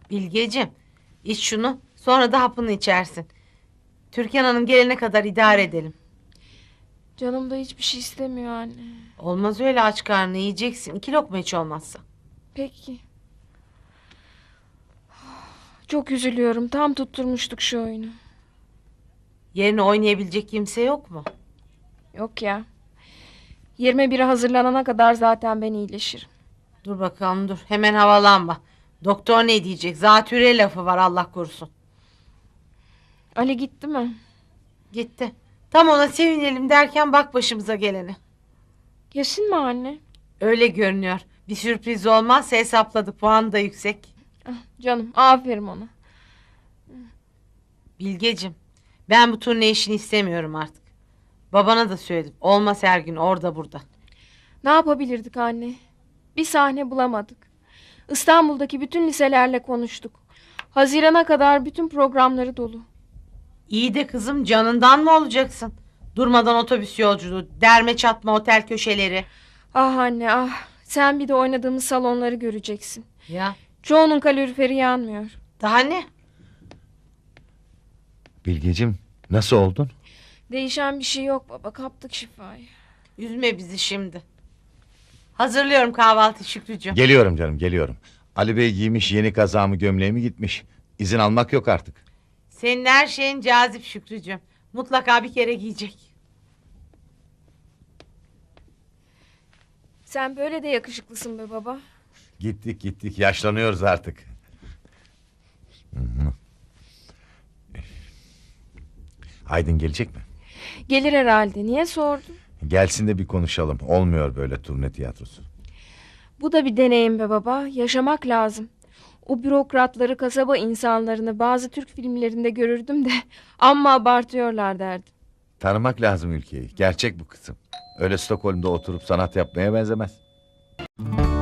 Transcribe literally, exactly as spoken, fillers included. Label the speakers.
Speaker 1: Bilgeciğim, iç şunu, sonra da hapını içersin. Türkan Hanım gelene kadar idare edelim.
Speaker 2: Canım da hiçbir şey istemiyor anne.
Speaker 1: Olmaz öyle, aç karnı yiyeceksin. İki lokma hiç olmazsa.
Speaker 2: Peki. Çok üzülüyorum. Tam tutturmuştuk şu oyunu.
Speaker 1: Yerine oynayabilecek kimse yok mu?
Speaker 2: Yok ya. yirmi bire hazırlanana kadar zaten ben iyileşirim.
Speaker 1: Dur bakalım dur. Hemen havalanma. Doktor ne diyecek? Zatüre lafı var, Allah korusun.
Speaker 2: Ali gitti mi?
Speaker 1: Gitti. Tam ona sevinelim derken bak başımıza geleni.
Speaker 2: Kesin mi anne?
Speaker 1: Öyle görünüyor. Bir sürpriz olmazsa hesapladık. Puan da yüksek.
Speaker 2: Ah, canım aferin ona.
Speaker 1: Bilgeciğim, ben bu turne işini istemiyorum artık. Babana da söyledim. Olmaz her gün orada burada.
Speaker 2: Ne yapabilirdik anne? Bir sahne bulamadık. İstanbul'daki bütün liselerle konuştuk. Hazirana kadar bütün programları dolu.
Speaker 1: İyi de kızım, canından mı olacaksın? Durmadan otobüs yolculuğu, derme çatma otel köşeleri.
Speaker 2: Ah anne ah. Sen bir de oynadığımız salonları göreceksin.
Speaker 1: Ya
Speaker 2: Çoğunun kaloriferi yanmıyor.
Speaker 1: daha ne?
Speaker 3: Bilgeciğim, nasıl oldun?
Speaker 2: Değişen bir şey yok baba. Kaptık şifayı.
Speaker 1: Üzme bizi şimdi. Hazırlıyorum kahvaltı Şükrücüğüm.
Speaker 3: Geliyorum canım, geliyorum. Ali Bey giymiş yeni kazağımı, gömleğimi gitmiş. İzin almak yok artık.
Speaker 1: Senin her şeyin cazip Şükrücüğüm. Mutlaka bir kere giyecek.
Speaker 2: Sen böyle de yakışıklısın be baba.
Speaker 3: Gittik gittik, yaşlanıyoruz artık. Hı hı. Aydın gelecek mi?
Speaker 2: Gelir herhalde. Niye sordun?
Speaker 3: Gelsin de bir konuşalım. Olmuyor böyle turne tiyatrosu.
Speaker 2: Bu da bir deneyim be baba. Yaşamak lazım. O bürokratları, kasaba insanlarını bazı Türk filmlerinde görürdüm de amma abartıyorlar derdim.
Speaker 3: Tanımak lazım ülkeyi. Gerçek bu kızım. Öyle Stockholm'da oturup sanat yapmaya benzemez.